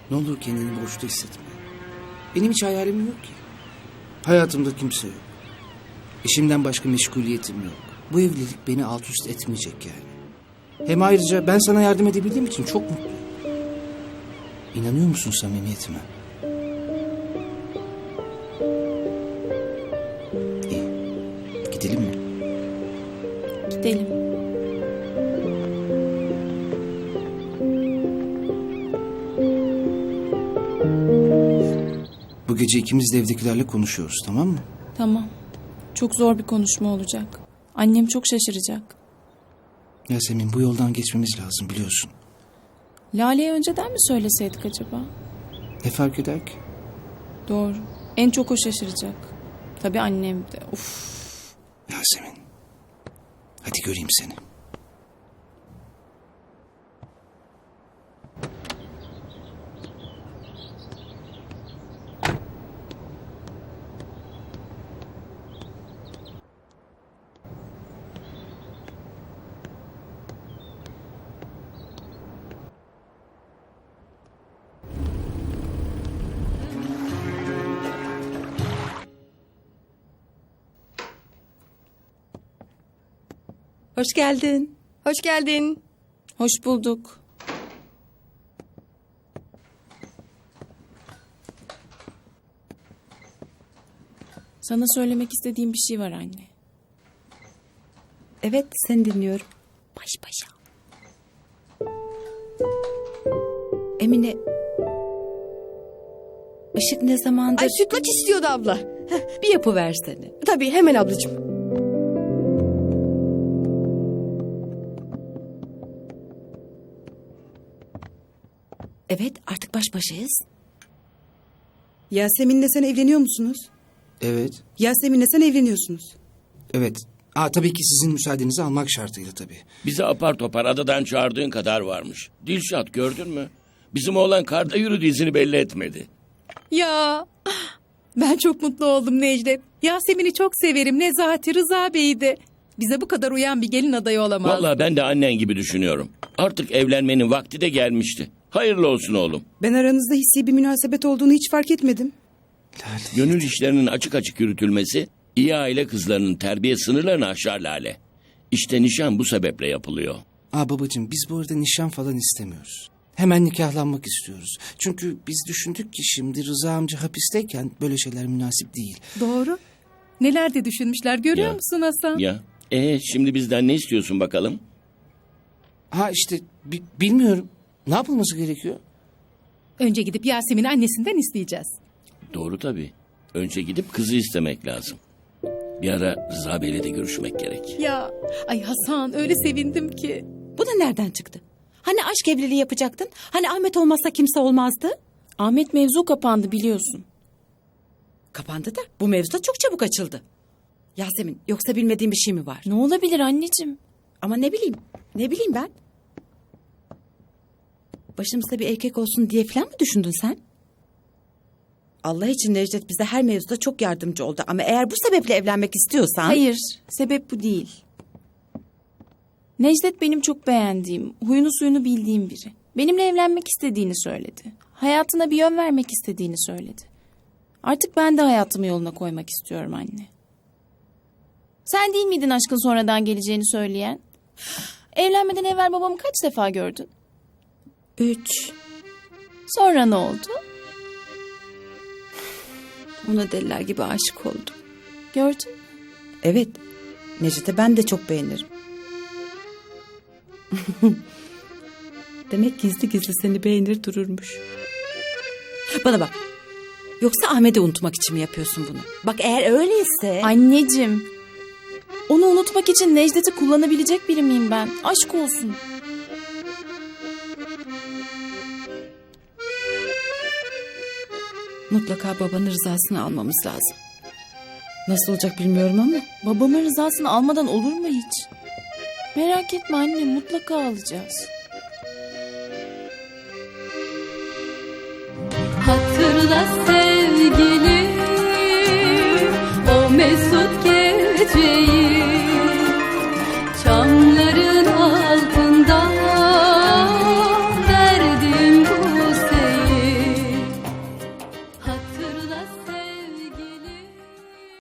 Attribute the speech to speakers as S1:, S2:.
S1: Ne olur kendini boşta hissetme. Benim hiç hayalim yok ki. Hayatımda kimse yok. İşimden başka meşguliyetim yok. Bu evlilik beni alt üst etmeyecek yani. Hem ayrıca ben sana yardım edebildiğim için çok mutluyum. İnanıyor musun samimiyetime? İyi. Gidelim mi?
S2: Gidelim.
S1: Bu gece ikimiz de evdekilerle konuşuyoruz, tamam mı?
S2: Tamam. Çok zor bir konuşma olacak. Annem çok şaşıracak.
S1: Yasemin, bu yoldan geçmemiz lazım biliyorsun.
S2: Lale'ye önceden mi söyleseydik acaba?
S1: Ne fark eder ki?
S2: Doğru. En çok o şaşıracak. Tabii annem de. Uf.
S1: Yasemin, hadi göreyim seni.
S3: Hoş geldin.
S4: Hoş geldin.
S2: Hoş bulduk. Sana söylemek istediğim bir şey var anne.
S3: Evet, seni dinliyorum.
S2: Baş başa.
S3: Emine, Işık ne zamandır...
S4: Ay sütlaç istiyordu abla.
S3: Bir yapıversene.
S4: Tabii hemen ablacığım.
S3: Evet, artık baş başayız.
S5: Yasemin'le sen evleniyor musunuz?
S1: Evet,
S5: Yasemin'le sen evleniyorsunuz.
S1: evet. Tabii ki sizin müsaadenizi almak şartıyla tabii.
S6: Bizi apar topar adadan çağırdığın kadar varmış. Dilşat gördün mü? Bizim oğlan karda yürüdü, izini belli etmedi.
S7: Ya ben çok mutlu oldum Necdet. Yasemin'i çok severim. Nezahati Rıza Bey'i de. Bize bu kadar uyan bir gelin adayı olamaz.
S6: Vallahi ben de annen gibi düşünüyorum. Artık evlenmenin vakti de gelmişti. Hayırlı olsun oğlum.
S5: Ben aranızda hissi bir münasebet olduğunu hiç fark etmedim.
S6: Gönül işlerinin açık açık yürütülmesi iyi aile kızlarının terbiye sınırlarını aşar Lale. İşte nişan bu sebeple yapılıyor.
S1: Babacığım, biz bu arada nişan falan istemiyoruz. Hemen nikahlanmak istiyoruz. Çünkü biz düşündük ki şimdi Rıza amca hapisteyken böyle şeyler münasip değil.
S7: Doğru. Neler de düşünmüşler görüyor
S6: Ya.
S7: musun Hasan?
S6: Ya şimdi bizden ne istiyorsun bakalım?
S1: İşte bilmiyorum. Ne yapılması gerekiyor?
S7: Önce gidip Yasemin'i annesinden isteyeceğiz.
S6: Doğru tabii. Önce gidip kızı istemek lazım. Bir ara Rıza Bey'le de görüşmek gerek.
S7: Ya ay Hasan öyle sevindim ki.
S3: Bu da nereden çıktı? Hani aşk evliliği yapacaktın? Hani Ahmet olmazsa kimse olmazdı?
S2: Ahmet mevzu kapandı biliyorsun.
S3: Kapandı da bu mevzu da çok çabuk açıldı. Yasemin, yoksa bilmediğin bir şey mi var?
S2: Ne olabilir anneciğim?
S3: Ama ne bileyim ben? Başımızda bir erkek olsun diye falan mı düşündün sen? Allah için Necdet bize her mevzuda çok yardımcı oldu. Ama eğer bu sebeple evlenmek istiyorsan...
S2: Hayır, sebep bu değil. Necdet benim çok beğendiğim, huyunu suyunu bildiğim biri. Benimle evlenmek istediğini söyledi. Hayatına bir yön vermek istediğini söyledi. Artık ben de hayatımı yoluna koymak istiyorum anne. Sen değil miydin aşkın sonradan geleceğini söyleyen? Evlenmeden evvel babamı kaç defa gördün?
S3: 3.
S2: Sonra ne oldu?
S3: Ona deliler gibi aşık oldum.
S2: Gördün mü?
S3: Evet, Necdet'e ben de çok beğenirim. Demek gizli gizli seni beğenir dururmuş. Bana bak. Yoksa Ahmet'i unutmak için mi yapıyorsun bunu? Bak eğer öyleyse...
S2: Anneciğim, onu unutmak için Necdet'i kullanabilecek biri miyim ben? Aşk olsun.
S3: Mutlaka babanın rızasını almamız lazım. Nasıl olacak bilmiyorum ama.
S2: Babamın rızasını almadan olur mu hiç? Merak etme anne, mutlaka alacağız.
S8: Hatırla sevgilim o mesut geceyi.